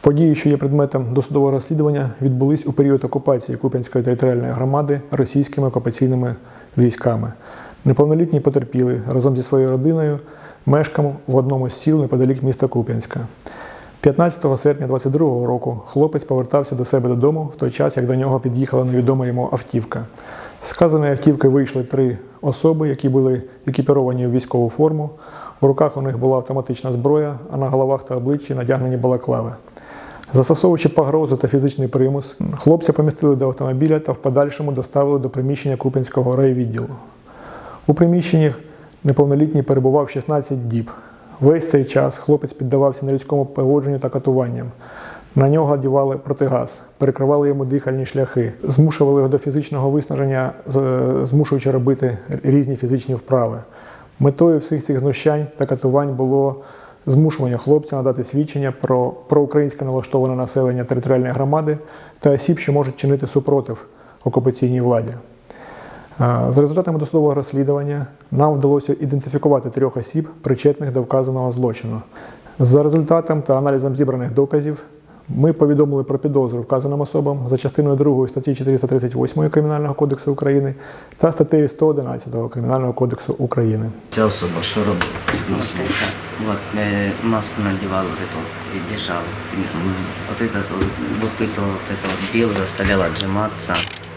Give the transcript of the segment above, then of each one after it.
Події, що є предметом досудового розслідування, відбулись у період окупації Куп'янської територіальної громади російськими окупаційними військами. Неповнолітній потерпілий разом зі своєю родиною мешкав в одному з сіл неподалік міста Куп'янська. 15 серпня 2022 року хлопець повертався до себе додому в той час, як до нього під'їхала невідома йому автівка. З вказаної автівки вийшли 3 особи, які були екіпіровані у військову форму. В руках у них була автоматична зброя, а на головах та обличчі надягнені балаклави. Застосовуючи погрозу та фізичний примус, хлопця помістили до автомобіля та в подальшому доставили до приміщення Куп'янського райвідділу. У приміщенні неповнолітній перебував 16 діб. Весь цей час хлопець піддавався нелюдському поводженню та катуванням. На нього одягали протигаз, перекривали йому дихальні шляхи, змушували його до фізичного виснаження, змушуючи робити різні фізичні вправи. Метою всіх цих знущань та катувань було змушування хлопця надати свідчення про проукраїнське налаштоване населення територіальної громади та осіб, що можуть чинити супротив окупаційній владі. За результатами досудового розслідування нам вдалося ідентифікувати 3 осіб, причетних до вказаного злочину. За результатом та аналізом зібраних доказів ми повідомили про підозру вказаним особам за частиною 2 статті 438 Кримінального кодексу України та статтею 111 Кримінального кодексу України. Ця особа що робила? Маску надевал вот эту и держал. Вот это вот бил, заставлял отжиматься.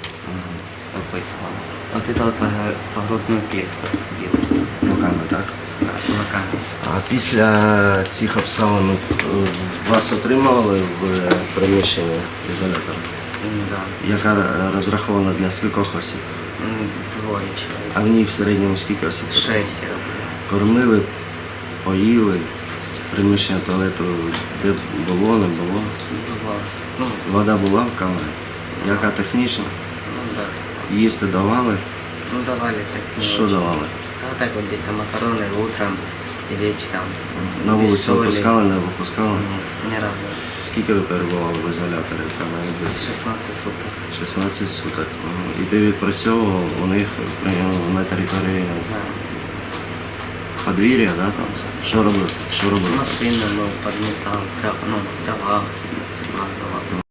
Вот это вот по грудную клетку бил. Руками, так? Да, кулаками. А після цих обставин вас отримали в приміщенні ізолятора? Да. Яка розрахована для скількох осіб? 2 человек. А в ній в середньому скільки осіб? 6. Кормили, поїли, приміщення туалету, де було, не було? Бывало. Ну, Вода була в камері? Яка технічна? да. Їсти давали? Ну, давали так. не Що очень. давали? А так вот где-то макароны утром и вечером. На Без вулицю соли. випускали, не випускали? Ни разу. Скільки ви перебували в ізоляторі? Там, 16 суток. 16 суток. І ти відпрацьовував у них на території Да. подвір'я, да, там? Що робив? Що робив? Машину, ну, подметал, трава складывал.